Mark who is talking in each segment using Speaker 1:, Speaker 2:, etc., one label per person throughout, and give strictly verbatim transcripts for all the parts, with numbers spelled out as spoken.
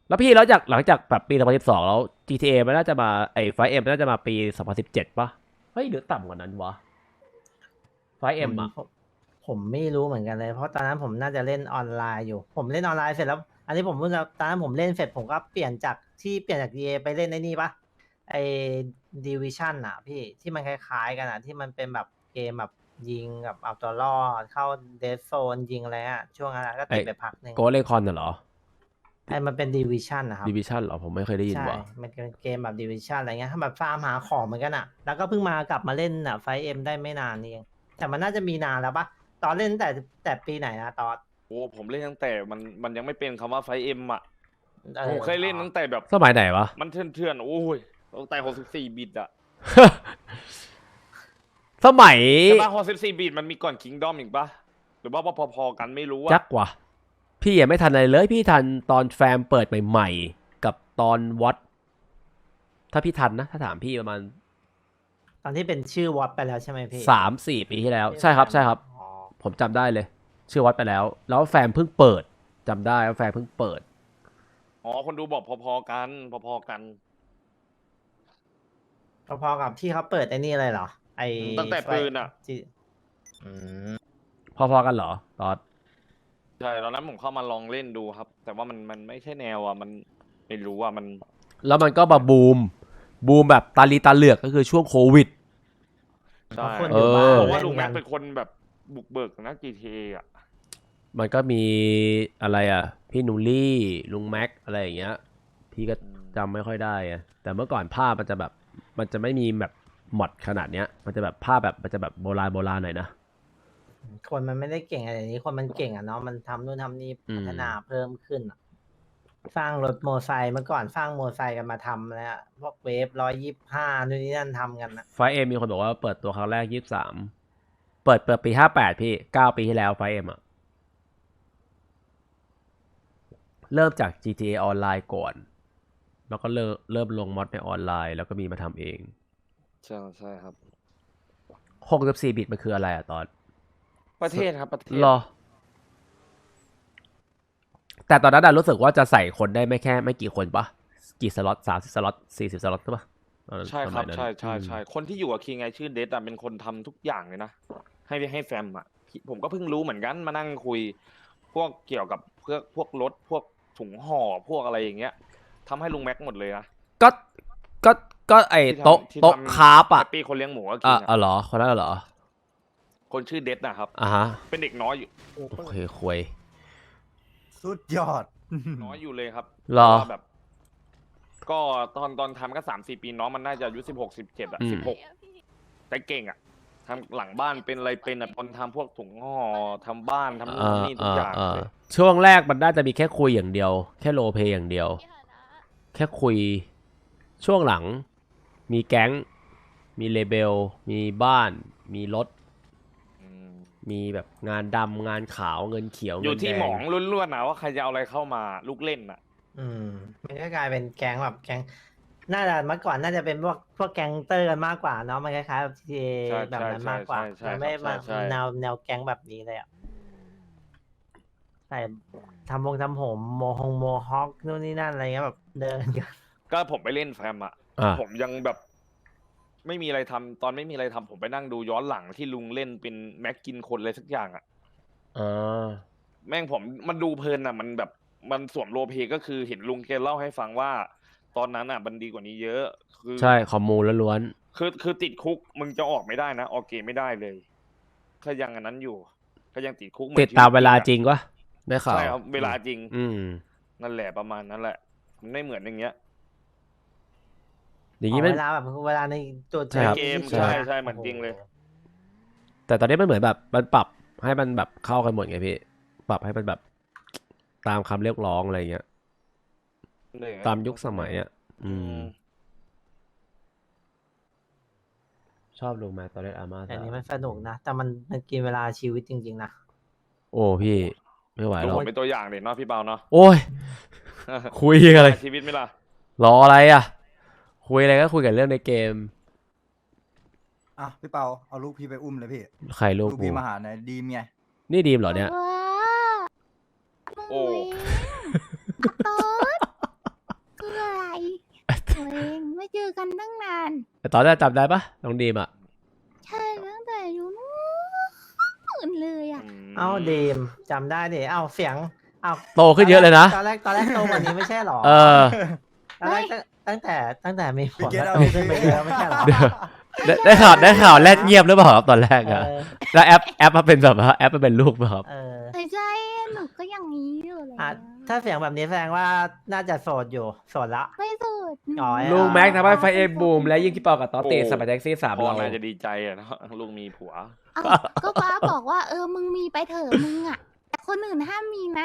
Speaker 1: แล้วพี่แล้วจากหลังจากแบบปีสองพันสิบสองแล้ว จี ที เอ มันน่าจะมาไอ้ไฟเอ็มน่าจะมาปีสองพันสิบเจ็ดป่ะเฮ้ยหรือต่ำกว่านั้นวะไฟ
Speaker 2: ผ
Speaker 1: เอ็ม
Speaker 2: ม
Speaker 1: อ่ะ
Speaker 2: ผมผมไม่รู้เหมือนกันเลย เพราะตอนนั้นผมน่าจะเล่นออนไลน์อยู่ ผมเล่นออนไลน์เสร็จแล้ว อันนี้ผมเพิ่งจะตอนนั้นผมเล่นเสร็จผมก็เปลี่ยนจากที่เปลี่ยนจาก ดี เอ ไปเล่นไอ้นี่ปะไอ้ดิวิชั่นอะพี่ที่มันคล้ายๆกันอะที่มันเป็นแบบเกมแบบยิงกับเอาตัวรอดเข้าเดสโซนยิงอะไรอะช่วงนั้นอะก็ติดไปพักหนึ่ง
Speaker 1: โกเลคอนน่ะเหรอ
Speaker 2: ไอ้มันเป็นดิวิชั่นนะครับ
Speaker 1: ดิวิชั่นเหรอผมไม่เคยได้ยิน
Speaker 2: ใช่
Speaker 1: ว่ะ
Speaker 2: มันเป็นเกมแบบดิวิชั่นอะไรเงี้ยถ้าแบบฟาร์มหาของเหมือนกันอะแล้วก็เพิ่งมากลับมาเล่นอะไฟเอ็มได้ไม่นานนี่เองแต่มันน่าจะมีนานแล้วปะตอนเล่นตั้งแต่แต่ปีไหนนะตอน
Speaker 3: โอ้ผมเล่นตั้งแต่มันมันยังไม่เป็นคำว่าไฟเอ็มอ่ะ
Speaker 2: ออ
Speaker 3: ผมเคยเล่นตั้งแต่แบบ
Speaker 1: สมัยไหนวะ
Speaker 3: มันเถื่อนๆโอ้ยตั้งแต่หกสิบสี่บิตอ่ะ
Speaker 1: สมัย
Speaker 3: ใช่ปะหกสิบสี่บิตมันมีก่อนคิงดอมอีกปะหรือว่าพอๆกันไม่รู้
Speaker 1: จั
Speaker 3: อะ
Speaker 1: กว่ะพี่ยังไม่ทันอะไรเลยพี่ทันตอนแฟมเปิดใหม่ๆกับตอนวัดถ้าพี่ทันนะถ้าถามพี่ประมาณ
Speaker 2: ตอนที่เป็นชื่อวอตไปแล้วใช่ไหมพี่
Speaker 1: สามสี่ปีที่แล้ว ใช่ครับใช่ครับ
Speaker 2: อ๋อ
Speaker 1: ผมจำได้เลย ชื่อวัดไปแล้ว แล้วแฟมเพิ่งเปิดจำได้ว่าแฟมเพิ่งเปิด
Speaker 3: อ๋อคนดูบอกพอๆกันพอๆกัน
Speaker 2: พอๆกับที่เขาเปิดไอ้นี่เลยเหรอไอ
Speaker 3: ตั้งแต่ปืนอะ
Speaker 2: ที่อืม
Speaker 1: พอๆกันเหรอตอน
Speaker 3: ใช่ตอนนั้นผมเข้ามาลองเล่นดูครับ แต่ว่ามันมันไม่ใช่แนวอ่ะมันไม่รู้อ่ะมัน
Speaker 1: แล้วมันก็มาบูมบูมแบบตาลีตาเหลือกก็คือช่วงโควิด
Speaker 3: ใช่
Speaker 2: คนอยู่บ้าน
Speaker 1: เออ
Speaker 3: ผมว่า
Speaker 2: เล่น
Speaker 3: ลุงแม็
Speaker 2: กั
Speaker 3: ก
Speaker 2: น
Speaker 3: เป็นคนแบบบุกเบิกนะ จี ที เอ อ่ะ
Speaker 1: มันก็มีอะไรอ่ะ พี่นูลี่ลุงแม็กอะไรอย่างเงี้ย พี่ก็จำไม่ค่อยได้อะแต่เมื่อก่อนภาพมันจะแบบ มันจะไม่มีแบบหมดขนาดเนี้ย มันจะแบบภาพแบบมันจะแบบโบราณโบราณหน่อยนะ
Speaker 2: คนมันไม่ได้เก่งอะไรอย่างนี้คนมันเก่งอ่ะเนาะมันทำนู่นทำนี่
Speaker 1: อืม
Speaker 2: พัฒนาเพิ่มขึ้นอะสร้างรถโมอไซค์เมื่อก่อนสร้างโมอไซค์กันมาทำแล้วอะพวกเวฟร้อยยี่ห้านู่นนี่นั่นทำกันนะ
Speaker 1: ไฟเอ็มมีคนบอกว่าเปิดตัวครั้งแรกยี่สิบสามเปิดเปิดปีห้าแปดพี่เก้าปีที่แล้วไฟเอ็มอะเริ่มจาก จี ที เอ ออนไลน์ก่อน แล้วก็เริ่มเริ่มลงมอดในออนไลน์แล้วก็มีมาทำเอง
Speaker 3: ใช่ใช่ครับ
Speaker 1: หกสิบสี่บิตมันคืออะไรอะตอน
Speaker 3: ประเทศครับประเทศ
Speaker 1: รอ แต่ตอนนั้นอะรู้สึกว่าจะใส่คนได้ไม่แค่ไม่กี่คนปะกี่สล็อตสามสิบสล็อตสี่สิบสล็อตใช่ปะตอนนั้น
Speaker 3: ใช่ค
Speaker 1: ส
Speaker 3: รั
Speaker 1: มั
Speaker 3: บ
Speaker 1: ยนั้น
Speaker 3: ใช่ใช่
Speaker 1: อืม
Speaker 3: ใช่คนที่อยู่กับคิงไงชื่อเดซอะเป็นคนทำทุกอย่างเลยนะ ให้ให้แฟมอะผมก็เพิ่งรู้เหมือนกันมานั่งคุย พวกเกี่ยวกับเพื่อพวกรถพวกถุงห่อพวกอะไรอย่างเงี้ยทำให้ลุงแม็กหมดเลยนะ
Speaker 1: ก็ก็ก็ไอ
Speaker 3: ที่ทำ
Speaker 1: โต๊ะ
Speaker 3: ที่
Speaker 1: โต๊ะ
Speaker 3: ทำ
Speaker 1: คาร์บอะ
Speaker 3: แฮปปี้คนเลี้ยงหมูก็คิ
Speaker 1: อ่ะ
Speaker 3: ง
Speaker 1: อ๋อ
Speaker 3: อะ
Speaker 1: เหรอคนนั้นเหรอ
Speaker 3: คนชื่อเดซนะครับ
Speaker 1: อ่ะฮะ
Speaker 3: เป็นเด็กน้อยอยู่
Speaker 1: โอเคคุย
Speaker 4: สุดยอด
Speaker 3: น้อยอยู่เลยครับ
Speaker 1: เหรอ
Speaker 3: เพาะว่าแบบ ก็ตอนตอนทำก็สามสี่ปีน้องมันน่าจะอายุสิบหกสิบเจ็ดอะ
Speaker 1: อืม
Speaker 3: สิบหกแต่เก่งอะทำหลังบ้านเป็นอะไรเป็นอะคนทำพวกถุงห่อทำบ้านทำนู่น
Speaker 1: อ่า
Speaker 3: ทำนี่ทุก
Speaker 1: อ่า
Speaker 3: อย่าง
Speaker 1: อ่า
Speaker 3: เลย
Speaker 1: ช่วงแรกมันน่าจะมีแค่คุยอย่างเดียว แค่โรลเพลย์อย่างเดียว แค่คุย ช่วงหลัง มีแก๊ง มีเลเบล มีบ้าน มีรถ
Speaker 3: อืม
Speaker 1: มีแบบงานดำงานขาวเงินเขียว
Speaker 3: อยู่
Speaker 1: เงิน
Speaker 3: ที่
Speaker 1: แดง
Speaker 3: หมองล้วนๆนะว่าใครจะเอาอะไรเข้ามาลูกเล่นอะ
Speaker 2: อืมมันก็กลายเป็นแก๊งแบบแก๊งน่าจะเมื่อก่อนน่าจะเป็นพวกพวกแก๊งเตอร์กันมากกว่าเนาะมันคล้ายๆแบบที
Speaker 3: ใช่
Speaker 2: แบบ
Speaker 3: ใช่
Speaker 2: นั้น
Speaker 3: ใช่
Speaker 2: มากกว่า
Speaker 3: ใช่
Speaker 2: มันไม่
Speaker 3: ใช่
Speaker 2: มา
Speaker 3: ใช่
Speaker 2: แนวแนวแก๊งแบบนี้เลยอ่ะแต่ทำวงทำผมโมฮงโมฮอคนู่นนี่นั่นอะไรเงี้ยแบบเดินกัน
Speaker 3: ก็ผมไปเล่นแฟมอะ
Speaker 1: อ่า
Speaker 3: ผมยังแบบ ไม่มีอะไรทำตอนไม่มีอะไรทำผมไปนั่งดูย้อนหลังที่ลุงเล่นเป็นแม็กกินคนอะไรสักอย่างอะ
Speaker 1: อ่า
Speaker 3: แม่งผมมันดูเพลินอะมันแบบมันสวมโรลเพลย์ก็คือเห็นลุงแกเล่าให้ฟังว่า ตอนนั้นอะมันดีกว่านี้เยอะ คือ
Speaker 1: ใช่คอมมูลล้วน
Speaker 3: คือคือติดคุกมึงจะออกไม่ได้นะออกเกมไม่ได้เลยก็ยังอันนั้นอยู่ ก็ยังติดคุกหอน
Speaker 1: ๆติดตามเวลา
Speaker 3: ชีต
Speaker 1: จริงวะได้ข่าว
Speaker 3: ใช่ครับเวลาจริง
Speaker 1: อืม
Speaker 3: นั่นแหละประมาณนั้นแหละมันไม่เหมือนอย่างเงี้ย
Speaker 1: อย่าง
Speaker 2: อ๋
Speaker 1: นี้
Speaker 2: อ
Speaker 1: ไม่
Speaker 2: เวลาแบบเวลาในตัว
Speaker 1: ใช่ครับ
Speaker 3: เกม
Speaker 2: ใช่
Speaker 3: ใช่
Speaker 2: ไหม
Speaker 3: ใช่เหมือนจริงเลย
Speaker 1: แต่ตอนนี้มันเหมือนแบบมันปรับให้มันแบบเข้ากันหมดไงพี่ ปรับให้มันแบบตามคำเรียกร้องอะไรเงี้ย ตามยุคสมัยอ่ะ อืม ชอบลุงแม็กตอนเล่นอาร์มา
Speaker 2: แต่อันนี้มันสนุกนะแต่มันมันกินเวลาชีวิตจริงๆนะ
Speaker 1: โอ้พี่ ไม่ไหว
Speaker 3: ดู
Speaker 1: หรอ
Speaker 3: ผ
Speaker 1: ก
Speaker 3: มเป็นตัวอย่างเด็เนาะพี่เปาเนาะ
Speaker 1: โอ้ย คุยอะไร
Speaker 3: ชีวิตไหมล่ะ
Speaker 1: รออะไรอ่ะ คุยอะไรก็คุยกันเรื่องในเกม
Speaker 4: อ่ะพี่เปาเอาลูกพี่ไปอุ้มเลยพี่
Speaker 1: ใครลูก
Speaker 4: ลูก
Speaker 1: กู
Speaker 4: พี่มาหาหน่อยดีมไง
Speaker 1: นี่ดีมเหรอเนี่ย
Speaker 3: โอ้
Speaker 5: ต๊ด
Speaker 1: ตอนแรกจำได้ปะน้องดีมอ่ะ
Speaker 5: ใช่ตั้งแต่อยู่นู้นเลยอ่ะ
Speaker 3: ม
Speaker 2: เอ้าดีมจำได้ดิเอ้าเสียงเอ้า
Speaker 1: โตขึ้นเยอะเลยนะ
Speaker 2: ตอนแรกตอนแรกโตกว่านี้ไม่ใช่หรอ
Speaker 1: เออ
Speaker 2: ตอนแรกตั้งแต่ตั้งแต่มีผ
Speaker 4: พี่
Speaker 2: ล
Speaker 4: เกต
Speaker 2: แล้ว
Speaker 4: เอา
Speaker 2: โต
Speaker 4: ไป
Speaker 2: ขึ้นไปเยอะไม่ใช่หรอ
Speaker 1: เดี๋ยว ได้ได้ข่าวได้ข่าวแลดเงียบหรือเปล่าครับตอนแรกอะ
Speaker 2: เออ
Speaker 1: แล้วแอปแอปมาเป็นแบบว่าแอปมาเป็นลูกป่ะครับ
Speaker 2: เออ
Speaker 5: ไม่ใช่หนูก็อย่างนี้อยู่เลย
Speaker 2: อ่ะถ้าเสียงแบบนี้แสดงว่าน่าจะโสดอยู่โสดละ
Speaker 5: ไม่สุดหนู
Speaker 2: อ๋อ
Speaker 1: ลุงแม็กทำให้ไฟเอ็มบูมและยิ่งพี่ปอกับต๊อตเตะสมัยแท็กซี่สาม
Speaker 3: พ่อ
Speaker 1: เรา
Speaker 3: น่าจะดีใจอะเนาะลูกมีผัว
Speaker 5: เอ้าก็ป้าบอกว่าเออมึงมีไปเถอะมึงอ่ะแต่คนอื่นห้ามมีนะ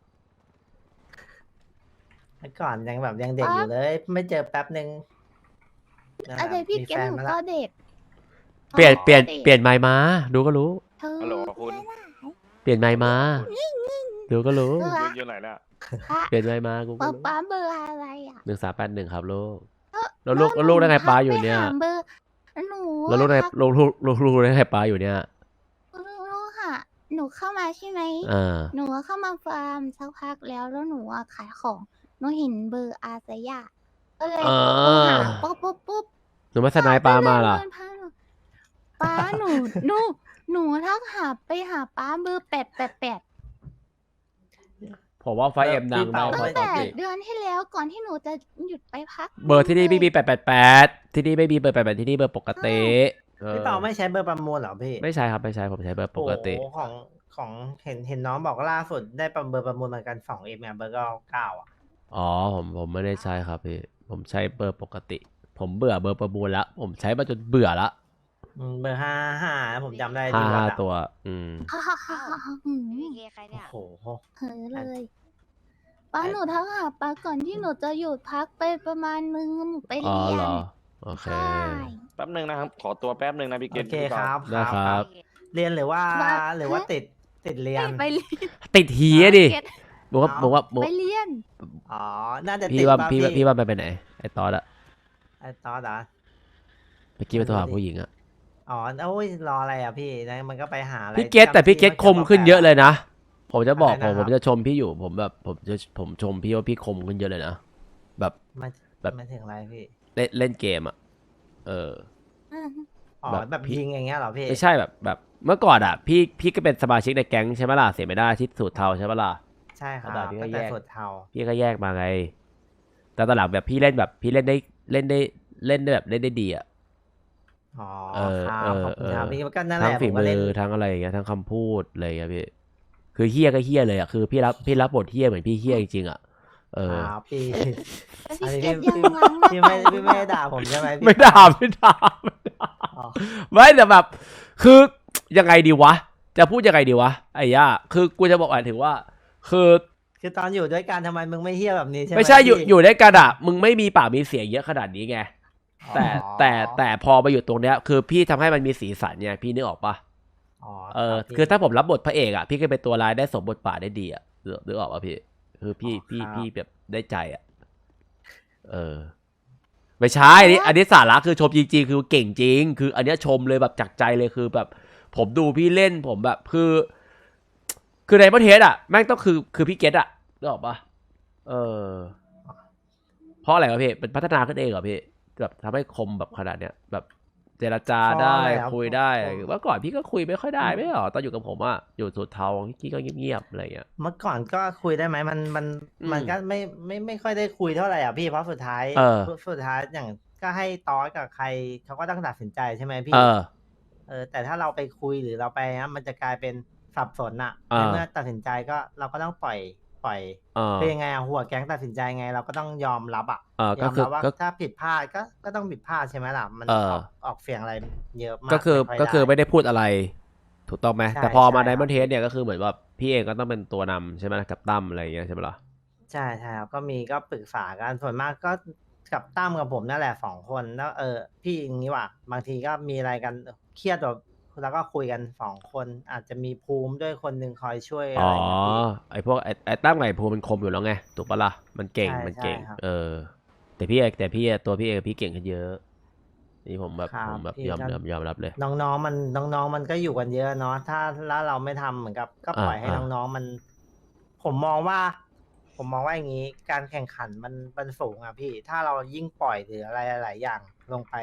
Speaker 2: เมื่อก่อนยังแบบยังเด็กอยู่เลย ไม่เจอแป๊บหนึ่งนั่นแห
Speaker 5: อะ
Speaker 2: ละ
Speaker 5: ไรพี่
Speaker 2: มี
Speaker 5: เก
Speaker 2: แฟ
Speaker 5: ด
Speaker 2: น
Speaker 5: หนู
Speaker 2: มา
Speaker 5: ก็
Speaker 2: ละ
Speaker 5: เด็ก
Speaker 1: เปลี่ยนเปลี่ยน
Speaker 5: ด็ก
Speaker 1: เปลี่ยนไมค์มาดูก็รู้
Speaker 5: เธอ
Speaker 3: ฮัลโหลคุณ
Speaker 1: เปลี่ยนไมค์มาดูก็รู้
Speaker 5: เบอร์
Speaker 3: ลู
Speaker 5: อะ
Speaker 3: กอยู่ไหนเนี่ย
Speaker 5: ป้า
Speaker 1: เปลี่ยนไมค์มากูก็
Speaker 5: ป้า
Speaker 1: รู้
Speaker 5: ป้าเบอร์อะไรอ่ะ
Speaker 1: หนึ่งสามแปดหนึ่งครับลูก
Speaker 5: เอ้อ
Speaker 1: แล้วลูกแล้วลูกได้ไงป้าอยู่เนี่ย
Speaker 5: หไปหเบอร์หนู
Speaker 1: แล้วลูกได้
Speaker 5: ทัก
Speaker 1: ลูกลูกลูกลูกได้ไงป้าอยู่เนี่ย
Speaker 5: ลูกค่ะ หนูเข้ามาใช่ไหม
Speaker 1: อ่า
Speaker 5: หนูก็เข้ามาฟาร์มสักพักแล้วแล้วหนูอะขายของหนูเห็นเบอร์อาสยาก็เลย
Speaker 1: อ่า
Speaker 5: โทรหาปุ๊บปุ๊บปุ๊บ
Speaker 1: หนูมาสนายป้ามาล่ะ
Speaker 5: เดินผ่นหนูป้าหนูหนูหนูทักหาไปหาป้าเบอร์แปดแปดแปด
Speaker 1: ผมว่าไฟเอ็มดังได้
Speaker 2: พี่
Speaker 1: เพ
Speaker 2: เปา
Speaker 1: ราะ
Speaker 5: ตั้ง
Speaker 1: ต๊อ
Speaker 5: แต่
Speaker 1: ตเตะ
Speaker 5: เดือนที่แล้วก่อนที่หนูจะหยุดไปพัก
Speaker 1: เบอร์ที่นี่ไม่มีแปดแปดแปดที่นี่ไม่มีเบอร์แปดแปดที่นี่เบอร์ปกติออ
Speaker 2: พี่เปาไม่ใช้เบอร์ประมูลเหรอพี่
Speaker 1: ไม่ใช่ครับไม่ใช่ผมใช้เบอร์ปกติ
Speaker 2: โอ้โหของของเห็นเห็นน้องบอกว่าล่าสุดได้ประเบอร์ประมูลเหมือนกันสองเอ็มเบอร์เก้าเก้าอ่ะ
Speaker 1: อ๋อผมผมไม่ได้ใช้ครับพี่ผมใช้เบอร์ปกติ ผมเบื่อเบอร์ประมูลละผมใช้มาจนเบื่อละ
Speaker 2: อืมเบอร์ห้าห้าผมจำได้
Speaker 1: ห้า
Speaker 2: ดี
Speaker 1: ห้า
Speaker 2: อะ
Speaker 1: ตัว อืม
Speaker 5: ฮ่าฮ่าฮ่าฮ่าฮ่าหืม
Speaker 6: พี่เคใครเนี่ย
Speaker 2: โอ้โห
Speaker 5: เฮ้ยเลยป้าหนูทักหาป้าก่อนที่หนูจะหยุดพักไปประมาณนึงหนูไป
Speaker 1: อ๋อ
Speaker 5: เรีย
Speaker 1: เหร
Speaker 5: น
Speaker 1: อโอเค
Speaker 5: ใช่
Speaker 3: แป๊บหนึ่งนะครับ ขอตัวแป๊บหนึ่งนะพี่เก
Speaker 2: โอ
Speaker 3: ต
Speaker 2: เค
Speaker 3: พี่
Speaker 2: ค
Speaker 3: ปา
Speaker 2: รับ
Speaker 1: ได้ครับ
Speaker 2: เรียนหรือว่า
Speaker 5: ว่า
Speaker 2: หรือว่าติดติดเรียน
Speaker 5: ไปเรียน
Speaker 1: ติดเหียดิ
Speaker 5: เก็ต
Speaker 1: บอกว่า
Speaker 2: เอา
Speaker 1: บอกว่าบอก
Speaker 5: ไปเรียน
Speaker 2: อ๋อ น่าจะติ
Speaker 1: พี่
Speaker 2: ด
Speaker 1: ว่า
Speaker 2: ป่ะ
Speaker 1: พี่
Speaker 2: พี่
Speaker 1: ว่าพี่ว่ามันไปไหนไอ้ตอดอะ
Speaker 2: ไอ้ตอดอ่ะ
Speaker 1: เมื่อกี้ไปโทรหา
Speaker 2: ไม่รู้ดิ
Speaker 1: ผู้หญิงอะ
Speaker 2: อ๋อโอ้ยรออะไรอ่ะพี่นะมันก็ไปหาอะไร
Speaker 1: พี่เกตแต่พี่เกตคมขึ้นเยอะเลยนะผมจะบอก
Speaker 2: อะไร
Speaker 1: ผ
Speaker 2: นะ
Speaker 1: ม
Speaker 2: ครับ
Speaker 1: ผมจะชมพี่อยู่ผมแบบผมจะผมชมพี่ว่าพี่คมขึ้นเยอะเลยนะแบบ
Speaker 2: มา
Speaker 1: แบบ
Speaker 2: มาถึงอะไรพี่
Speaker 1: เล่นเล่นเกมอะเออ
Speaker 2: อ๋อ
Speaker 1: แบบ
Speaker 2: แบบ
Speaker 1: พี่
Speaker 2: ยิงอย่างเงี้ยเหรอพี่
Speaker 1: ไม่ใช่แบบแบบเมื่อก่อนอ่ะ พี่พี่ก็เป็นสมาชิกในแก๊งใช่ไหมล่ะเสียไม่ได้ที่สูตรเทาใช่ไหมล่ะ
Speaker 2: ใช่ครับ
Speaker 1: กระดาษพี่ก็
Speaker 2: ตั้งแต่
Speaker 1: แยก
Speaker 2: สุดเทา
Speaker 1: พี่ก็แยกมาไง แต่ตอนหลังแบบพี่เล่นแบบพี่เล่นได้เล่นได้เล่นได้แบบเล่นได้ดีอ่ะ
Speaker 2: อ๋อ
Speaker 1: เออ
Speaker 2: ครับ
Speaker 1: เออ
Speaker 2: ขอบคุณครับ
Speaker 1: เออ
Speaker 2: พี่ก็นั่นแห
Speaker 1: ทั้ง
Speaker 2: ละ
Speaker 1: ฝี
Speaker 2: ผมก็
Speaker 1: มื
Speaker 2: เล่น
Speaker 1: อทั้งอะไรอย่างเงี้ยทั้งคำพูดอะไรอย่างเงี้ยพี่คือเฮี้ยก็เฮี้ยเลยอ่ะคือพี่รับพี่รับบทเฮี้ยเหมือนพี่เฮี้ยจริงๆอ่ะเออ
Speaker 2: ครับพี่
Speaker 5: แล้ว
Speaker 2: อัน
Speaker 5: พี่
Speaker 2: นี้
Speaker 5: เก
Speaker 2: พี่
Speaker 5: ตยังล้างหน้า
Speaker 2: พี่ไม่พี่ไม่ได้ด่าผมใช่ไหมพี่
Speaker 1: ไม่ด่าไม่ด่าไม่ด่า
Speaker 2: อ๋อ
Speaker 1: ไม่แต่แบบ คือยังไงดีวะ จะพูดยังไงดีวะไอ้ย่าคือกูจะบอกหมายถึงว่า คือ
Speaker 2: คือตอนอยู่ด้วยกันทำไมมึงไม่เฮี้ยแบบนี้ใช่ไหม
Speaker 1: ไม่ใช่อยู่
Speaker 2: พี่
Speaker 1: อยู่ด้วยกันอะมึงไม่มีปากมีเสียงเยอะขนาดนี้ไง แต่
Speaker 2: อ๋อ
Speaker 1: แต่แต่พอมาอยู่ตรงเนี้ย คือพี่ทำให้มันมีสีสันไงพี่นึกออกปะ
Speaker 2: อ๋อ
Speaker 1: เออ
Speaker 2: รับพี่
Speaker 1: คือถ้าผมรับบทพระเอกอะพี่ก็เป็นตัวร้ายได้สมบทบาทได้ดีอะนึกนึกออกปะพี่ คือพี่
Speaker 2: อ๋อ
Speaker 1: พี่
Speaker 2: ครับ
Speaker 1: พี่แบบได้ใจอะเออ ไม่ใช่อันนี้อันนี้สาระคือชมจริงๆคือเก่งจริง คืออันเนี้ยชมเลยแบบจากใจเลยคือแบบ ผมดูพี่เล่นผมแบบคือ คือในประเทศอะแม่งต้องคือคือพี่เกตอะนึกออกปะเออ เพราะอะไรวะพี่เป็นพัฒนาขึ้นเองเหรอพี่แบบทำให้คมแบบขนาดเนี้ยแบบเจรจาได้
Speaker 2: เพราะอะไรครับ
Speaker 1: คุยได้
Speaker 2: ผม
Speaker 1: เมื่อก่อนพี่ก็คุยไม่ค่อยได้ไม่เหรอตอนอยู่กับผมอะอยู่สุดเทาพี่ก็เงียบๆอะไรอย่างเงี้ย
Speaker 2: เมื่อก่อนก็คุยได้ไหมมันมัน
Speaker 1: อืม
Speaker 2: มันก็ไม่ไม่ไม่ค่อยได้คุยเท่าไหร่อ่ะพี่เพราะสุดท้าย
Speaker 1: เออ
Speaker 2: สุดท้ายอย่างก็ให้ตอสกับใครเขาก็ต้องตัดสินใจใช่ไหมพี่
Speaker 1: เออ
Speaker 2: เออแต่ถ้าเราไปคุยหรือเราไปนะมันจะกลายเป็นสับสนอ่ะ
Speaker 1: อ่า
Speaker 2: ในเมื่อตัดสินใจก็เราก็ต้องปล่อยปล่อย
Speaker 1: เออ
Speaker 2: คือยังไงอะหัวแก๊งตัดสินใจไง เราก็ต้องยอมรับอ่ะ
Speaker 1: เออย ก็
Speaker 2: อม
Speaker 1: คือ
Speaker 2: รับว่า
Speaker 1: ก็
Speaker 2: ถ้าผิดพลาดก็ก็ต้องผิดพลาดใช่ไหมล่ะมัน
Speaker 1: เออ
Speaker 2: ออกออกเสียงอะไรเยอะมาก
Speaker 1: ก็คือ
Speaker 2: ไม่ย
Speaker 1: ก็คือ
Speaker 2: ด้
Speaker 1: ไม่ได้พูดอะไร ถูกต้องไหม
Speaker 2: ใช่
Speaker 1: แต่พอมา
Speaker 2: ใช่
Speaker 1: ใน
Speaker 2: ครับ
Speaker 1: มันเทสเนี่ยก็คือเหมือนว่าพี่เองก็ต้องเป็นตัวนำใช่ไหมกับตั้มอะไรอย่างเงี้ยใช่ไหมล่ะ
Speaker 2: ใช่ใช่ครับก็มีก็ปรึกษากันส่วนมากก็กับตั้มกับผมนั่นแหละสองคนแล้วเออพี่อย่างนี้ว่ะบางทีก็มีอะไรกันเครียดแบบแล้วก็คุยกันสองคนอาจจะมีภูมิด้วยคนหนึ่งคอยช่วยอะ
Speaker 1: อ๋อ
Speaker 2: ไรอย่างเงี้ยพี่
Speaker 1: ไอพวกไอไอตั้มไงภูมันคมอยู่แล้วไงถูกปะล่ะมันเก่ง
Speaker 2: ใช่
Speaker 1: มันเก่ง
Speaker 2: ใช่ครับ
Speaker 1: เออ แต่พี่เอกแต่พี่ตัวพี่เอกพี่เก่งขึ้นเยอะ นี่ผมแบบ
Speaker 2: ครับ
Speaker 1: ผมแบบ
Speaker 2: พี่
Speaker 1: ยอม
Speaker 2: ก็
Speaker 1: ยอมยอมรับเลย
Speaker 2: น้องๆมันน้องๆมันก็อยู่กันเยอะเนาะถ้าแล้วเราไม่ทำเหมือนกับ ก็ปล่อย
Speaker 1: อ่า
Speaker 2: ให้
Speaker 1: อ่า
Speaker 2: น้องๆมัน ผมมองว่า ผมมองว่าอย่างนี้ การแข่งขันมันมันสูงอ่ะพี่ ถ้าเรายิ่งปล่อยหรืออะไรหลายๆอย่างลงไปอ่ะ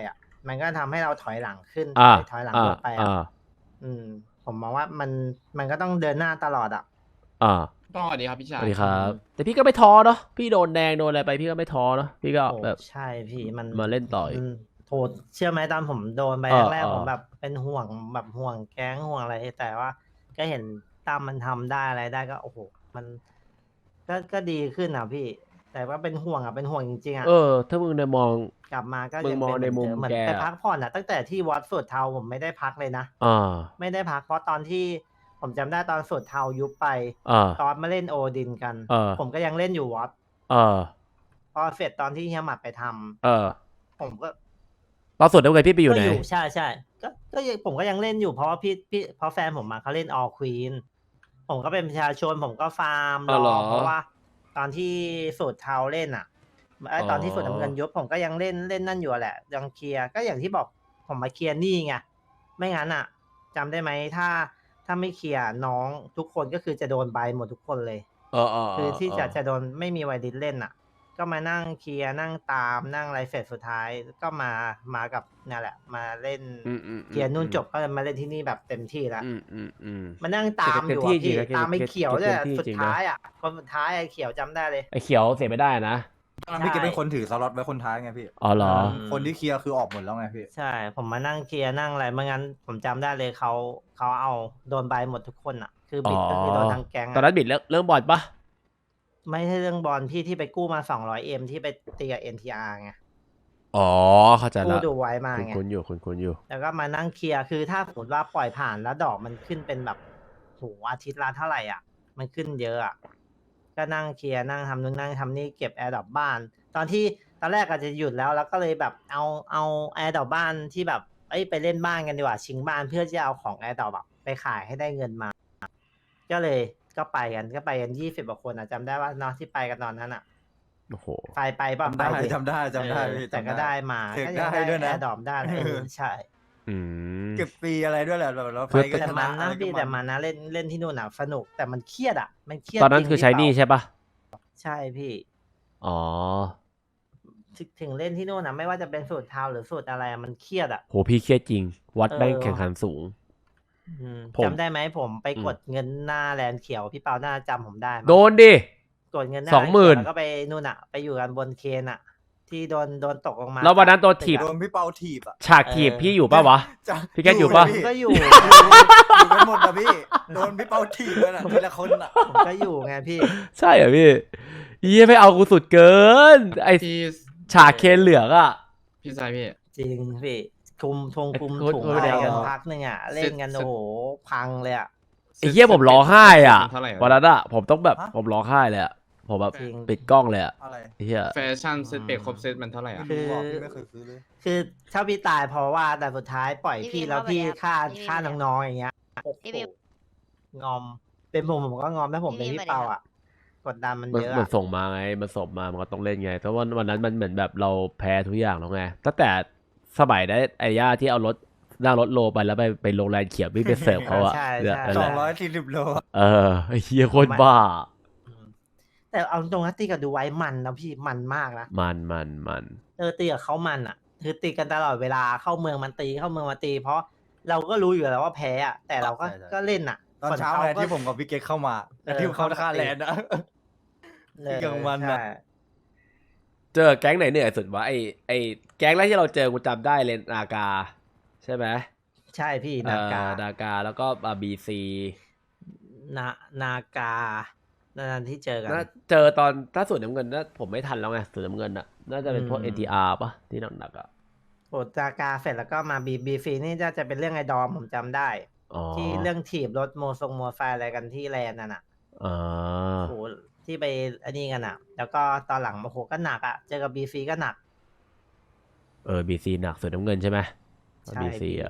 Speaker 2: มันก็ทำให้เราถอยหลังขึ้น
Speaker 1: อ่า
Speaker 2: ถอยหลัง
Speaker 1: อ่า
Speaker 2: ลงไปอ่ะ
Speaker 1: อ่า
Speaker 2: อืม ผมมองว่ามันมันก็ต้องเดินหน้าตลอดอ่ะ
Speaker 1: อ่า
Speaker 6: ต้องสวัสดีครับพี่
Speaker 1: ส
Speaker 6: ชาย
Speaker 1: วัสดีครับ แต่พี่ก็ไม่ท้อเนาะพี่โดนแดงโดนอะไรไปพี่ก็ไม่ท้อเนาะพี่ก็
Speaker 2: โอ้
Speaker 1: แบบ
Speaker 2: ใช่พี่มัน
Speaker 1: มาเล่นต่ออีก
Speaker 2: มันโทษเชื่อไหมตอนผมโดนไป
Speaker 1: เออ
Speaker 2: แรก
Speaker 1: เออ
Speaker 2: ๆผมแบบเป็นห่วงแบบห่วงแก๊งห่วงอะไร แต่ว่าก็เห็นตามมันทำได้อะไรได้ก็โอ้โหมัน ก็ก็ดีขึ้นอ่ะพี่ แต่ว่าเป็นห่วงอ่ะเป็นห่วงจริงๆอ่ะ
Speaker 1: เออ ถ้ามึงในมอง
Speaker 2: กลับมาก็
Speaker 1: มึง
Speaker 2: ยัง
Speaker 1: มอง
Speaker 2: เป็น
Speaker 1: ในมุม
Speaker 2: เหมือน
Speaker 1: แก
Speaker 2: เดิมเหมือนไป
Speaker 1: อะ
Speaker 2: พักผ่อนอ่ะตั้งแต่ที่วัดสุดเทาผมไม่ได้พักเลยนะ
Speaker 1: อ่า
Speaker 2: ไม่ได้พักเพราะตอนที่ผมจำได้ตอนสุดเทายุบไป
Speaker 1: อ่า
Speaker 2: ตอนมาเล่นโอดินกัน
Speaker 1: เออ
Speaker 2: ผมก็ยังเล่นอยู่วัด
Speaker 1: เออ
Speaker 2: พอเสร็จตอนที่เฮียหมัดไปทำ
Speaker 1: เออ
Speaker 2: ผมก็
Speaker 1: ตอนสุดแล้วไงพี่ไปอยู่ไหน
Speaker 2: ก็ใช่ใช่ก็ก็ยังผมก็ยังเล่นอยู่เพราะว่าพี่พี่เพราะแฟนผมมาเขาเล่นออควีนผมก็เป็นประชาชนผมก็ฟาร์ม
Speaker 1: อ๋
Speaker 2: ร
Speaker 1: อเหร
Speaker 2: อ
Speaker 1: อ
Speaker 2: เพราะว่า ตอนที่สูตรเทาเล่นอ่ะไอยตอนที่
Speaker 1: อ๋อ
Speaker 2: สูตรน้ำเงินยุบผมก็ยังเล่นเล่นนั่นอยู่แหละยังเคลียร์ก็อย่างที่บอกผมมาเคลียร์หนี่ไงไม่งั้นอ่ะจำได้ไหมถ้าถ้าไม่เคลียร์น้องทุกคนก็คือจะโดนใบหมดทุกคนเลย
Speaker 1: เออเออ
Speaker 2: คือที่จะ
Speaker 1: เออ
Speaker 2: จะโดนไม่มีไวดิสเล่นอ่ะ ก็มานั่งเคลียร์นั่งตามนั่งอะไรเสร็จสุดท้ายก็มามากับเนี่ยแหละ มาเล่น
Speaker 1: อืมอืม
Speaker 2: เคลียร์นู่นจบก็มาเล่นที่นี่แบบเต็มที่แล้ว
Speaker 1: อืมอืมอืม
Speaker 2: มานั่งตามอยู่
Speaker 1: เต็มที่
Speaker 2: อะพี่
Speaker 1: จริงนะ
Speaker 2: ตามไอ้
Speaker 1: เต็ม
Speaker 2: เขียวด้วยอะ
Speaker 1: เต็มที่
Speaker 2: สุด
Speaker 1: จริงนะ
Speaker 2: ท้ายอ่ะคนสุดท้ายไอ้เขียวจำได้เลย
Speaker 1: ไอ้เขียวเสียไม่ได้นะ
Speaker 4: ตอนนั้นพี่เกตเป็นคนถือสล็อตไว้คนท้ายไงพี่
Speaker 1: อ๋อเหรอ
Speaker 2: ม
Speaker 4: คนที่เคลียร์คือออกหมดแล้วไงพี่
Speaker 2: ใช่ ผมมานั่งเคลียร์นั่งอะไรไม่งั้นผมจำได้เลยเขาเขาเอาโดนใบหมดทุกคนอ่ะ คือบิดก็คือโดนทั้งแก๊ง
Speaker 1: ตอน
Speaker 2: อะ
Speaker 1: นั้นบิดเรื่องเรื่องบอลปะ
Speaker 2: ไม่ใช่เรื่องบอลพี่ที่ไปกู้มาสองร้อยเอ็มที่ไปตีกับ เอ็น ที อาร์ ไง
Speaker 1: อ๋อ เข้าใจ
Speaker 2: กู้
Speaker 1: ละ
Speaker 2: ดูไว้มา
Speaker 1: คุณ
Speaker 2: ไง
Speaker 1: คุณอยู่คุณคุณอยู่
Speaker 2: แล้วก็มานั่งเคลียร์ คือถ้าสมมติว่าปล่อยผ่านแล้วดอกมันขึ้นเป็นแบบโหอาทิตย์ละเท่าไหร่อ่ะ มันขึ้นเยอะอ่ะ ก็นั่งเคลียร์นั่งทำนู่นนั่งทำนี่เก็บแอร์ดรอปบ้าน ตอนที่ตอนแรกอาจจะหยุดแล้วแล้วก็เลยแบบเอาเอาแอร์ดรอปบ้านที่แบบเอ้ยไปเล่นบ้านกันดีกว่าชิงบ้านเพื่อจะเอาของแอร์ดรอปแบบไปขายให้ได้เงินมา ก็เลยก็ไปกันก็ไปกันยี่สิบกว่าคนอ่ะจำได้ว่าเนาะที่ไปกันตอนนั้นอ่ะ
Speaker 1: โอ้โห
Speaker 2: ไปไปป่ะ
Speaker 4: จำ
Speaker 2: ไป
Speaker 4: ได้
Speaker 2: ดิ
Speaker 4: จำได้จำได้
Speaker 2: เออ
Speaker 4: พี่
Speaker 2: แต่ก็
Speaker 4: จำ
Speaker 2: ได้มา
Speaker 4: เทค
Speaker 2: ก็ยัง
Speaker 4: ได้ด้วยนะ
Speaker 2: แอร์ดรอปได้เออใช่
Speaker 1: อืม
Speaker 4: เก็บฟรีอะไรด้วยแหละแบบเรา
Speaker 1: คือ
Speaker 4: ไปก็
Speaker 2: แต่
Speaker 4: ช
Speaker 2: มั
Speaker 4: นะ
Speaker 2: น
Speaker 4: อะ
Speaker 2: นะ
Speaker 4: ไรก็
Speaker 2: พี่แต่มันนะเล่นเล่นที่นู่นอ่ะสนุกแต่มันเครียดอ่ะ มันเครียด
Speaker 1: ตอนนั้น
Speaker 2: จริง
Speaker 1: คือใช้หนี่
Speaker 2: พี่เปา
Speaker 1: ใช่ปะ
Speaker 2: ใช่พี่
Speaker 1: อ๋อ
Speaker 2: ถึงถึงเล่นที่นู่นนะไม่ว่าจะเป็นสูตรเทาหรือสูตรอะไรอะมันเครียดอ่ะ
Speaker 1: โหพี่เครียดจริง วัด
Speaker 2: เออ
Speaker 1: แม่งแข่งขันสูง
Speaker 2: อืม
Speaker 1: ผม
Speaker 2: จำได้ไหมผมไป
Speaker 1: อืม
Speaker 2: กดเงินหน้าแลนด์เขียวพี่เปาน่าจำผมได้มั้ย
Speaker 1: โดนดิ
Speaker 2: กดเงินหน้า
Speaker 1: สองหมื่น
Speaker 2: แลนด์เขียวแล้วก็ไปนู่นอ่ะ ไปอยู่กันบนเคนอ่ะ ที่โดนโดนตกลงมา
Speaker 1: แล้ววันนั้นตัวถีบ
Speaker 4: โดนพี่เปาถีบอ่ะ
Speaker 1: ฉากถีบพี่อยู่ปะวะ
Speaker 4: จะ
Speaker 1: พี่แกอยู่ปะ
Speaker 2: ผมก็อยู่
Speaker 4: อยู่อยู่กันหมดอะพี่ โดนพี่เปาถีบเลยนะทีละคนอ่ะ
Speaker 2: ผมก็อยู่ไงพี่
Speaker 1: ใช่เหรอพี่เยี่ยไม่เอากูสุดเกิน ไอ
Speaker 6: พี่
Speaker 1: ฉากเคนเหลืองอ่ะ
Speaker 6: พี่ชายพี่
Speaker 2: จริงพี่คุมทงคุม
Speaker 1: ไอ้โค้ด
Speaker 2: ถุง
Speaker 1: โค้ด
Speaker 2: อะไร
Speaker 1: เดียว
Speaker 2: กันพักหนึ่งอ่ะ เล่นกัน
Speaker 6: เสร็จ
Speaker 2: โอ้โหพังเลยอ่ะ
Speaker 1: ไอ้เหี้ยผมร้องไห้อ่ะ
Speaker 6: เท่าไหร่อะ
Speaker 1: วันนั้นอ่ะผมต้องแบบ
Speaker 4: ฮะ
Speaker 1: ผมร้องไห้เลยอ่ะผมแบบ
Speaker 2: จริง
Speaker 1: ปิดกล้องเลยอ่ะ
Speaker 4: อะไร
Speaker 1: ไอ้เหี้ย
Speaker 6: แฟชั่นเซตเบรกครบเซตมันเท่าไหร่อ่ะ
Speaker 4: ไม่รู้อ่ะพี่ไม่เคยซื้อเลย
Speaker 2: คือถ้าพี่ตายเพราะว่าแต่สุดท้ายปล่อย
Speaker 5: พี่
Speaker 2: พี่
Speaker 5: วิน
Speaker 2: แล้ว
Speaker 5: เข้าไป
Speaker 2: พี่
Speaker 5: แล้ว
Speaker 2: ฆ่า
Speaker 5: พี่วิน
Speaker 2: ฆ่า
Speaker 5: ไปแล้ว
Speaker 2: น้องๆอย่างเงี้ยโอ้โห
Speaker 5: พี่วิน
Speaker 2: งอม เป็นผมผมก็งอมถ้าผม
Speaker 5: พี่
Speaker 2: เป็น
Speaker 5: วิน
Speaker 2: พี่
Speaker 5: ไป
Speaker 2: เปา
Speaker 5: แล้ว
Speaker 2: อ่ะ กดดันมัน
Speaker 1: มัน
Speaker 2: เยอะ
Speaker 1: มัน
Speaker 2: อะ
Speaker 1: ส่งมาไงมันส่งมามันก็ต้องเล่นไงเพราะว่าวันนั้นมันเหมือนแบบเราแพ้ทุกอย่างแล้วไงตั้งแต่สมัยได้ไอ้ย่าที่เอารถนั่งรถโลไปแล้วไปไปโรงแรมเขียววิ่งไปเสิร์ฟเขาอะ
Speaker 2: ใช่
Speaker 1: เนี่ย
Speaker 2: ใช่
Speaker 1: นั่น
Speaker 4: ส
Speaker 1: แห
Speaker 4: อง
Speaker 1: ละ
Speaker 4: ร้อยสี่สิบโล
Speaker 1: เออไอ้เหี้ยโคตรบ้า
Speaker 2: อืมแต่เอาตรงนะตีกับดูไว้มันนะพี่มันมากนะ
Speaker 1: มันมันมัน
Speaker 2: เออตีกับเขามันอ่ะ คือตีกันตลอดเวลาเข้าเมืองมันตีเข้าเมืองมาตี เพราะเราก็รู้อยู่แล้วว่าแพ้อ่ะแต่เราก็
Speaker 4: ใช่ใช่
Speaker 2: ก็เล่นอ่ะ
Speaker 4: ตอนเช้า
Speaker 2: ส่ว
Speaker 4: ไง
Speaker 2: ขก็
Speaker 4: ที่ผมกับพี่เกตเข้ามา
Speaker 2: เออ
Speaker 4: ที่เขาฆ่าแลนด์นะ
Speaker 2: เออ
Speaker 4: ที่กลางวันน่ะ
Speaker 2: ใช่
Speaker 1: เจอแก๊งไหนเหนื่อยสุดวะไอไอแก๊งแรกที่เราเจอกูจำได้เลยนากา ใช่ไหม
Speaker 2: ใช่พี่นากา
Speaker 1: เอ่อนากาแล้วก็บีซี
Speaker 2: นานากานั่นที่เจอกัน
Speaker 1: น่าเจอตอนถ้าส่วนน้ำเงินน่าผมไม่ทันแล้วไงส่วนน้ำเงินน่ะน่าจะเป็นพวก
Speaker 2: อืม
Speaker 1: เอ็น ที อาร์ ปะที่หนักๆอ่ะ
Speaker 2: โอนากาเสร็จแล้วก็มาบีบีฟีนี่จะจะเป็นเรื่องไอ้ดอมผมจำได้
Speaker 1: อ๋อ
Speaker 2: ที่เรื่องถีบรถโมทรงโมไซค์อะไรกันที่แลนด์นั่นอ่ะ
Speaker 1: อ่า
Speaker 2: โหที่ไปอันนี้กันอ่ะ แล้วก็ตอนหลังโอ้โหก็หนักอ่ะเจอกับบีฟีก็หนัก
Speaker 1: เออบีซีหนักส่วนน้ำเงินใช่ไหม
Speaker 2: ใช่
Speaker 1: บีซี
Speaker 2: พี่
Speaker 1: อ่ะ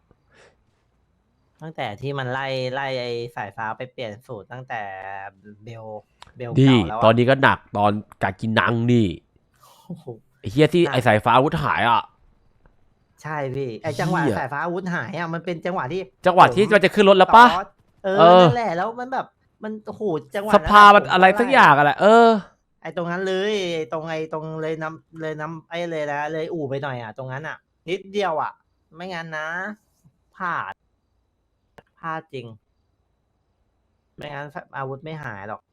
Speaker 2: ตั้งแต่ที่มันไล่ไล่ไอ้สายฟ้าไปเปลี่ยนสูตรตั้งแต่เบลเบล
Speaker 1: นี่
Speaker 2: เก่าแล้ว
Speaker 1: ตอน
Speaker 2: อะ
Speaker 1: นี้ก็หนักตอนกากินังนี่
Speaker 2: โอ้โห
Speaker 1: ไอ้เฮียที่
Speaker 2: หนัก
Speaker 1: ไอสายฟ้าอาวุธหายอ่ะ
Speaker 2: ใช่พี่ไอ้จังหวะ
Speaker 1: เหี้ย
Speaker 2: สายฟ้าอาวุธหายอ่ะมันเป็นจังหวะที่
Speaker 1: จังหวะที่มันจะขึ้นรถแล้วปะ
Speaker 2: ตอสเออ
Speaker 1: เออ
Speaker 2: นั่นแหละแล้วมันแบบมันโอ้โหจังหวะ
Speaker 1: ส
Speaker 2: นั้น
Speaker 1: ภามัน
Speaker 2: ผ
Speaker 1: อะไรสักอย่างอะแหละเออ
Speaker 2: ไอ้ตรงนั้นเลยไอ้ตรงไอ้ตรงเลยน้ำเลยน้ำไอ้เลยนะเลยอู่ไปหน่อยอ่ะตรงนั้นอ่ะนิดเดียวอ่ะ ไม่งั้นนะพลาดพลาดจริง ไม่งั้นอาวุธไม่หายหรอก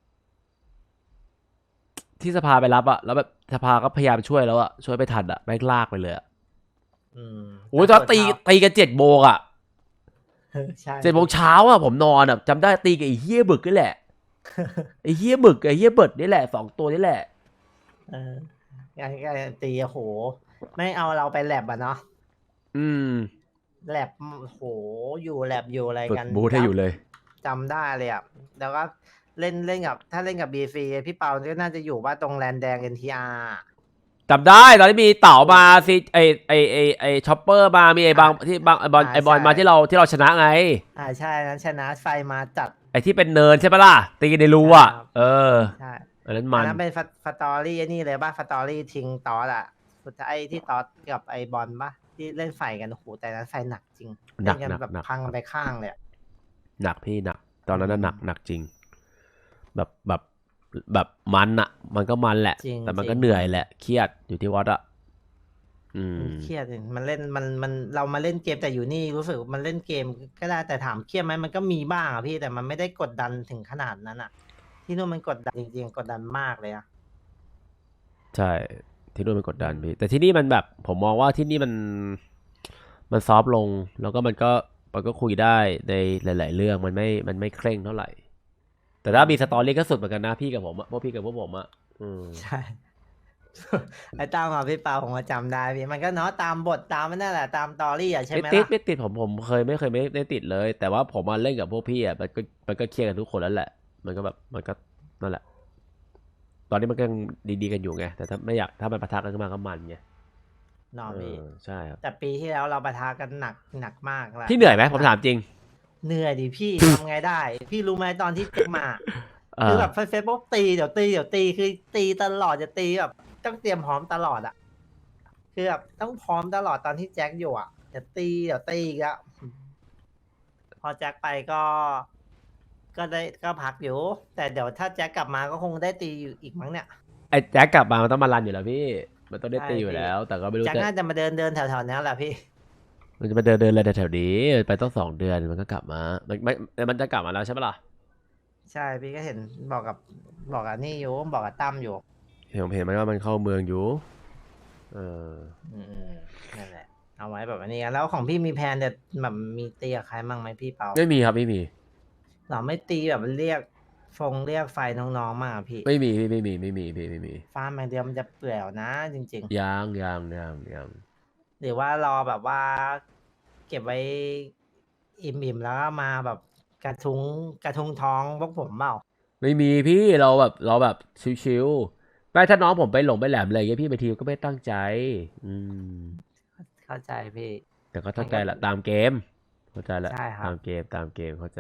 Speaker 1: ที่สภาไปรับอะแล้วแบบสภาก็พยายามช่วยแล้วอะช่วยไปทันอะแม่งลากไปเลยอะ
Speaker 2: อืม
Speaker 1: โอ้ยตอนตี
Speaker 2: แต่ส่วน
Speaker 1: ตีกันเจ็ดโมงอะ
Speaker 2: เช้า ใช่
Speaker 1: เจ็ดโมงเช้าอะผมนอนอะจำได้ตีกับไอ้เฮียบึกนี่แหละไอ้เฮียบึกไอ้เฮียเบิดนี่แหละสองตัวนี่แหละ
Speaker 2: เออการการตีโอ้โห ไม่เอาเราไปแลบอ่ะเนาะ
Speaker 1: อืม
Speaker 2: แลบโอ้โห อยู่แลบอยู่อะไร
Speaker 1: ฝึก
Speaker 2: กัน
Speaker 1: บูทให้อยู่เลย
Speaker 2: จำได้เลยอ่ะ แล้วก็เล่นเล่นกับ ถ้าเล่นกับบีซีพี่เปาก็น่าจะอยู่ว่าตรงแลนแดงเอ็นทีอาร์
Speaker 1: จำได้ตอนที่มีเต่ามาสิไอไอไอไอช็อปเปอร์มามีไอบางที่บางไอบอล
Speaker 2: อ่า
Speaker 1: ไอบอล
Speaker 2: ใช่
Speaker 1: มาที่เราที่เราชนะไง
Speaker 2: อ่าใช่นั้นชนะไฟมาจัด
Speaker 1: ไอที่เป็นเนินใช่ปะล่ะตีกันในรูอ่ะ
Speaker 2: ครับ
Speaker 1: เออ
Speaker 2: ใช่
Speaker 1: อันนั้น
Speaker 2: อั
Speaker 1: มัน
Speaker 2: นนั้นเป็นฟาตอรี่นี่เลยป่ะฟาตอรี่ทิ้งตอสอ่ะสุดท้ายไอ้ที่ตอสกับไอบอลป่ะที่เล่นไฟกันโอ้โหแต่นั้นไฟหนักจริง
Speaker 1: หนัก
Speaker 2: เล่นกัน
Speaker 1: หนัก
Speaker 2: แบบ
Speaker 1: หนัก
Speaker 2: พังกันไปข้างเลยอะ
Speaker 1: หนักพี่หนัก ตอนนั้นน่ะ
Speaker 2: อืม
Speaker 1: หนักหนักจริง แบบแบบแบบมันอะมันก็มันแหละ
Speaker 2: จริง
Speaker 1: แต่มันก็
Speaker 2: จริง
Speaker 1: เหนื่อยแหละเครียดอยู่ที่วัดอะอืม
Speaker 2: เครียดจริงมันเล่นมันมันเรามาเล่นเกมแต่อยู่นี่รู้สึกมันเล่นเกมก็ได้แต่ถามเครียดไหมมันก็มีบ้างอะพี่แต่มันไม่ได้กดดันถึงขนาดนั้นอะที่นู่นมันกดดันจริงๆกดดันมากเลยอะ
Speaker 1: ใช่ที่นู่นมันกดดันพี่แต่ที่นี่มันแบบ ผมมองว่าที่นี่มันมันซอฟต์ลง แล้วก็มันก็มันก็คุยได้ในหลาย ๆ เรื่องมันไม่มันไม่เคร่งเท่าไหร่ แต่ถ้ามีสตอรี่ก็สุดเหมือนกันนะพี่กับผมอะพวกพี่กับพวกผมอะอืม
Speaker 2: ใช่ ไอ้ตามมาพี่เปาผมก็จำได้พี่มันก็เนาะตามบทตามนั่นแหละตามตอรี่อะใช่
Speaker 1: ไม่
Speaker 2: ไหม
Speaker 1: ติด
Speaker 2: ล่ะ
Speaker 1: ไม่ติดผมผมเคยไม่เคยไม่ได้ติดเลย แต่ว่าผมมาเล่นกับพวกพี่อ่ะมันก็มันก็เครียดกันทุกคนแล้วแหละ มันก็แบบมันก็นั่นแหละ ตอนนี้มันก็ยังดีๆกันอยู่ไงแต่ถ้าไม่อยากถ้ามันปะทะกันขึ้นมาก็มันไง
Speaker 2: นอน
Speaker 1: เอ
Speaker 2: พี่
Speaker 1: อใช่ครับ
Speaker 2: แต่ปีที่แล้วเราปะทะกันหนักหนักมากแหละ
Speaker 1: พี่เหนื่อยไหมผมถามจริง
Speaker 2: เหนื่อยดิพี่ ทำไงได้ พี่รู้ไหมตอนที่เจ็กมา
Speaker 1: เอ
Speaker 2: คือ
Speaker 1: อ
Speaker 2: แบบเฟซบุ๊กตีเดี๋ยวตีเดี๋ยวตีคือตีตลอดจะตีแบบต้องเตรียมพร้อมตลอดอะคือแบบต้องพร้อมตลอดตอนที่แจ็คอยู่อะเดี๋ยวตีเดี๋ยวตีอีกแล้วพอแจ็คไปก็ ก็ได้ก็พักอยู่ แต่เดี๋ยวถ้าแจ็คกลับมาก็คงได้ตีอยู่อีกมั้งเนี่ย
Speaker 1: ไอ้แจ็คกลับมามันต้องมารันอยู่แล้วพี่ มันต้องได้
Speaker 2: ใช่
Speaker 1: ตีอยู่
Speaker 2: พี่
Speaker 1: แล้ว แต่ก็ไม่รู้
Speaker 2: แจ็ค
Speaker 1: จะ
Speaker 2: น่าจะมาเดินเดินแถวๆนี้แหละพี่
Speaker 1: มันจะมาเดินเดินอะไรแถวๆนี้ไปต้องสองเดือนมันก็กลับมา มันไม่มันจะกลับมาแล้วใช่ปะล่ะ
Speaker 2: ใช่พี่ก็เห็นบอกกับบอกกับนี่อยู่บอกกับตั้มอยู่
Speaker 1: เห็นผมเห็นมันว่ามันเข้าเมืองอยู่ เออ
Speaker 2: อืมนั่นแหละ เอาไว้แบบนี้กันแล้วของพี่มีแพลนจะแบบมีตีกับใครมั่งไหมพี่เปา
Speaker 1: ไม่มีครับไม่มี
Speaker 2: เราไม่ตีแบบเรียกฟงเรียกไฟน้องๆมากพี่
Speaker 1: ไม่มีพี่ไม่มีไม่มีพี่ไม่มี
Speaker 2: ฟาร์มอย่างเดียวมันจะเปลี่ยวนะ จริง
Speaker 1: ยางยางยางยาง
Speaker 2: ๆ หรือว่ารอแบบว่า เก็บไว้อิ่มๆแล้วก็มาแบบกระทุ้งกระทุ้งท้องพวกผมเปล่า
Speaker 1: ไม่มีพี่เราแบบเราแบบชิวๆไม่ถ้าน้องผมไปหลงไปแหลมอะไรอย่างเงี้ยพี่บางทีก็ไม่ตั้งใจ อืม
Speaker 2: เข้าใจพี่
Speaker 1: แต่ก็เข้าใจแหละตามเกม เข้าใจแหละ
Speaker 2: ใช่ครับ
Speaker 1: ตามเกมตามเกมเข้าใจ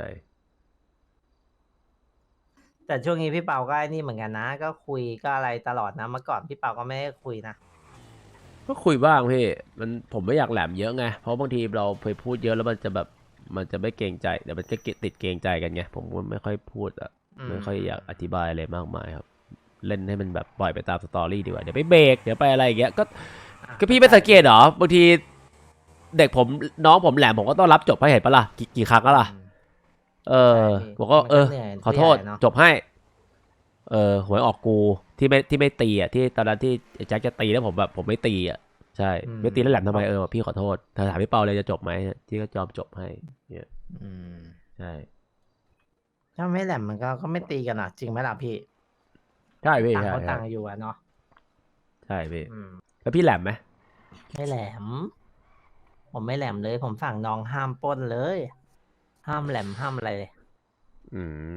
Speaker 2: แต่ช่วงนี้พี่เปาก็ไอ้นี่เหมือนกันนะ ก็คุยก็อะไรตลอดนะเมื่อก่อนพี่เปาก็ไม่ได้คุยนะ
Speaker 1: ก็คุยบ้างพี่มันผมไม่อยากแหลมเยอะไงเพราะบางทีเราไปพูดเยอะแล้วมันจะแบบมันจะไม่เกรงใจเดี๋ยวมันจะติดเกรงใจกันไงผมก็ไม่ค่อยพูดอะ
Speaker 2: อืม
Speaker 1: ไม่ค่อยอยากอธิบายอะไรมากมายครับ เล่นให้มันแบบปล่อยไปตามสตอรี่ดีกว่าเดี๋ยวไปเบรกเดี๋ยวไปอะไรอย่างเงี้ยก็
Speaker 2: อ่ะ
Speaker 1: ก็พี่ไม่สังเกตเหรอบางทีเด็กผมน้องผมแหลมผมก็ต้องรับจบให้เห็นปะล่ะกี่กี่ครั้งก็ล่ะ
Speaker 2: อืม
Speaker 1: เออ
Speaker 2: ใช่พี่
Speaker 1: บอกว่า
Speaker 2: มันก็
Speaker 1: เออ
Speaker 2: เหนื่อย
Speaker 1: ขอโทษ
Speaker 2: ผู้ใหญ่เนอะ
Speaker 1: จบให้ เออหวยออกกูที่ไม่ที่ไม่ตีอ่ะที่ตอนนั้นที่ไอ้แจ็คจะตีแล้วผมแบบผมไม่ตีอ่ะใช่ไม่ตีแล้วแหลมทำไมเออพี่ขอโทษถ้าถามพี่เปาเลยจะจบไหมที่ก็ยอมจบให้เนี่ย
Speaker 2: อืม
Speaker 1: ใช่
Speaker 2: ถ้าไม่แหลมมันก็ก็ไม่ตีกันอ่ะ จริงไหมล่ะพี่
Speaker 1: ใช่พี่
Speaker 2: ต่าง
Speaker 1: ใช่
Speaker 2: คน
Speaker 1: ใช่
Speaker 2: ต่างอยู่อะเนาะ
Speaker 1: ใช่พี่
Speaker 2: อืม
Speaker 1: แล้วพี่แหลมไหม
Speaker 2: ไม่แหลม ผมไม่แหลมเลย ผมสั่งน้องห้ามปล้นเลย ห้ามแหลมห้ามอะไรเลย
Speaker 1: อืม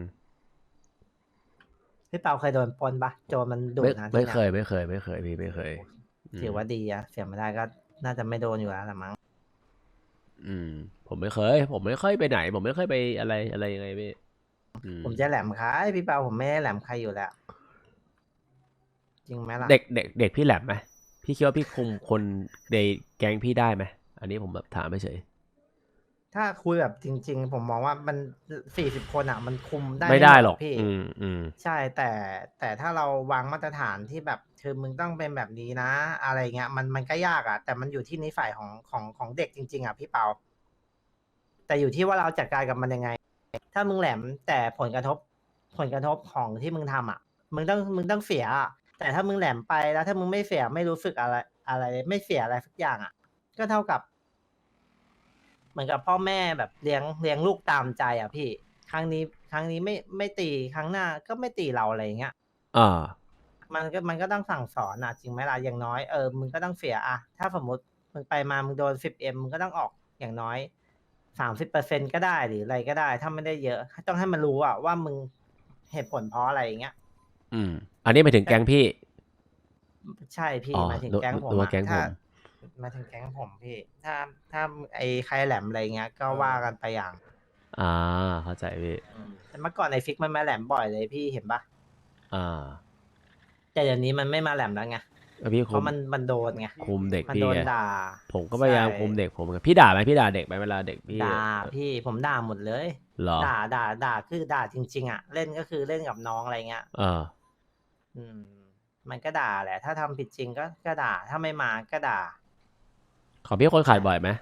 Speaker 2: พี่เปาเคยโดนปล้นปะโจรมันดุ
Speaker 1: ไม่
Speaker 2: นะที่
Speaker 1: ไม่
Speaker 2: นี่
Speaker 1: เคยไม่เคยไม่เคยพี่ไม่เคยม
Speaker 2: ถือว่าดีอะเสียไม่ได้ก็น่าจะไม่โดนอยู่แล้วละมั้ง
Speaker 1: อืม ผมไม่เคย ผมไม่ค่อยไปไหน ผมไม่ค่อยไปอะไรอะไรยังไงพี่อื
Speaker 2: ผมจะแหลมใครพี่เปาผมไม่ได้แหลมใครอยู่แล้ว จริงไหมล่ะ
Speaker 1: เด็กเด็กเด็กพี่แหลมไหมพี่คิดว่าพี่คุมคนในแก๊งพี่ได้ไหมอันนี้ผมแบบถามไม่เฉย
Speaker 2: ถ้าคุยแบบจริง ๆ ผมมองว่ามันสี่สิบคนอ่ะ มันคุมได้
Speaker 1: ไม่ได้
Speaker 2: ม
Speaker 1: หรอก
Speaker 2: พี่
Speaker 1: อืมอืม
Speaker 2: ใช่แต่แต่ถ้าเราวางมาตรฐานที่แบบคือมึงต้องเป็นแบบนี้นะ อะไรเงี้ยมันมันก็ยากอ่ะ แต่มันอยู่ที่นิสัยของของของเด็กจริง ๆ อ่ะพี่เปา แต่อยู่ที่ว่าเราจัดการกับมันยังไง ถ้ามึงแหลมแต่ผลกระทบผลกระทบของที่มึงทำอ่ะ มึงต้องมึงต้องเสียอะแต่ถ้ามึงแหลมไปแล้วถ้ามึงไม่เสียไม่รู้สึกอะไรอะไร ไม่เสียอะไรสักอย่างอ่ะ ก็เท่ากับ เหมือนกับพ่อแม่แบบเลี้ยงเลี้ยงลูกตามใจอ่ะพี่ ครั้งนี้ครั้งนี้ไม่ไม่ตีครั้งหน้าก็ไม่ตีเราอะไรอย่างเงี้ย
Speaker 1: อ่า
Speaker 2: มันก็มันก็ต้องสั่งสอนอ่ะจริงไหมล่ะอย่างน้อยเออมึงก็ต้องเสียอ่ะถ้าสมมติมึงไปมามึงโดนสิบเอ็มมึงก็ต้องออกอย่างน้อยสามสิบเปอร์เซ็นก็ได้หรืออะไรก็ได้ ถ้าไม่ได้เยอะ ต้องให้มันรู้อ่ะว่ามึงเหตุผลเพราะอะไรอย่างเงี้ย
Speaker 1: อืม อันนี้หมายถึงแก๊งพี่
Speaker 2: ใช่พี่
Speaker 1: อ๋อ
Speaker 2: หมายถึง
Speaker 1: นึก
Speaker 2: แก๊งผม
Speaker 1: นึกว่า
Speaker 2: อะ
Speaker 1: แก๊ง
Speaker 2: ถ้า
Speaker 1: ผม
Speaker 2: หมายถึงแก๊งผมพี่ ถ้าถ้าไอ้ใครแหลมอะไรเงี้ย ก็ว่ากันไปอย่าง
Speaker 1: อ่า เข้าใจพี่
Speaker 2: แต่เมื่อก่อนไอ้ฟิกมันมาแหลมบ่อยเลยพี่เห็นปะ
Speaker 1: อ่า
Speaker 2: แต่เดี๋ยวนี้มันไม่มาแหลมแล้วไง
Speaker 1: แล้วพี่
Speaker 2: เพ
Speaker 1: คุม
Speaker 2: ราะมันมันโดนไง
Speaker 1: คุมเด็ก
Speaker 2: มัน
Speaker 1: พี่
Speaker 2: โดน
Speaker 1: ไง
Speaker 2: ด่า
Speaker 1: ผมก็พยายาม
Speaker 2: ใช่
Speaker 1: คุมเด็กผมไงพี่ด่าไหมพี่ด่าเด็กไหมเวลาเด็กพี่
Speaker 2: ด่าพี่ผมด่าหมดเลย
Speaker 1: เหรอ
Speaker 2: ด่าด่าด่าคือด่าจริง ๆ อ่ะ เล่นก็คือเล่นกับน้องอะไรเงี้ย
Speaker 1: เออ
Speaker 2: อืม มันก็ด่าแหละ ถ้าทำผิดจริงก็ก็ด่า ถ้าไม่มาก็ด่า
Speaker 1: ของพี่คนขาดบ่อยไหม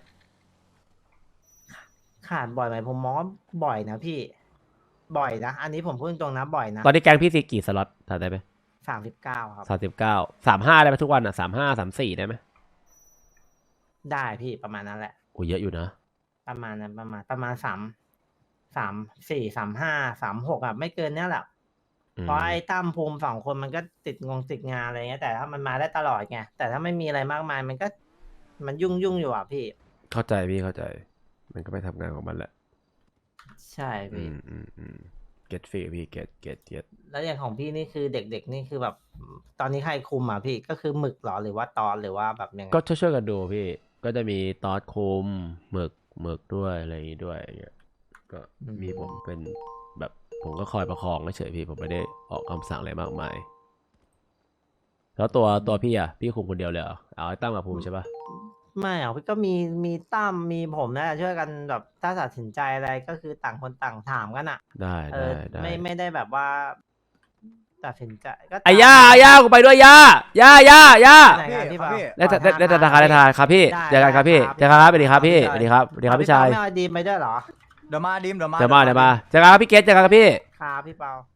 Speaker 2: ขาดบ่อยไหมผมมองว่าบ่อยนะพี่ บ่อยนะ อันนี้ผมพูดตรงๆนะบ่อยนะ
Speaker 1: ตอนนี้แก๊งพี่ซีกี่สล็อตถามได้ไหม
Speaker 2: สามสิบเก้าครับ
Speaker 1: สามสิบเก้าสามห้าได้ไหมทุกวันอ่ะสามห้าสามสี่ได้ไหม
Speaker 2: ได้พี่ประมาณนั้นแหละ
Speaker 1: โอ้เยอะอยู่นะ
Speaker 2: ประมาณนั้นประมาณประมาณสามสามสี่สามห้าสามหกอ่ะไม่เกินเนี้ยแหละ
Speaker 1: อืม
Speaker 2: เพราะไอ้ตั้มภูมิสองคนมันก็ติดงงติดงานอะไรเงี้ยแต่ถ้ามันมาได้ตลอดไงแต่ถ้าไม่มีอะไรมากมายมันก็ มันยุ่งยุ่งอยู่อ่ะพี่
Speaker 1: เข้าใจพี่เข้าใจ มันก็ไปทำงานของมันแหละ
Speaker 2: ใช่
Speaker 1: อื
Speaker 2: พี่
Speaker 1: มอืมอืมเก็ตฟีพี่เก็ตเก็ตเก็ต
Speaker 2: แล้วอย่างของพี่นี่คือเด็กๆนี่คือแบบ ตอนนี้ใครคุมอ่ะพี่ก็คือหมึกเหรอหรือว่าตอนหรือว่าแบบยังไง
Speaker 1: ก็ช่วยๆกันดูพี่ ก็จะมีตอสคุมหมึกหมึกด้วยอะไรอย่างงี้ด้วยอย่างเงี้ยก็มีผมเป็นแบบผมก็คอยประคองเฉยๆพี่ผมไม่ได้ออกคำสั่งอะไรมากมาย แล้วตัวตัวพี่อ่ะพี่คุมคนเดียวเลยเหรอเอาไอ้ตั้มกับภูมิใช่ปะ
Speaker 2: ไม่อ่ะพี่ก็มีมีตั้มมีผมนะช่วยกันแบบถ้าตัดสินใจอะไรก็คือต่างคนต่างถามกันอ่ะ
Speaker 1: ได้
Speaker 2: เอ
Speaker 1: ได้
Speaker 2: อ
Speaker 1: ได้
Speaker 2: ไม่ไม่ได้แบบว่า ตัดสินใจก็
Speaker 1: ไอ้ย่าย่ากูไปด้วยย่าย่าย่าย่า
Speaker 2: ไหนกันพี่
Speaker 4: ครับ
Speaker 2: เปา
Speaker 4: พี่
Speaker 1: ได้ได้ได้ได้ธนาคารได้ธนาคารครับพี่เจอกันครับพี่เจอกันครับสวัสดีครับพี่สวัสดีครับสวัสดีครับพี่ชาย
Speaker 2: ไม่เอาดีมไปด้วยเหรอ
Speaker 4: เดี๋ยวมาดิมเดี๋ยวมา
Speaker 1: เดี๋ยวมาเดี๋ยวมาเจอกันครับพี่เกตเจอกันครับพี่
Speaker 2: ครับพี่เปา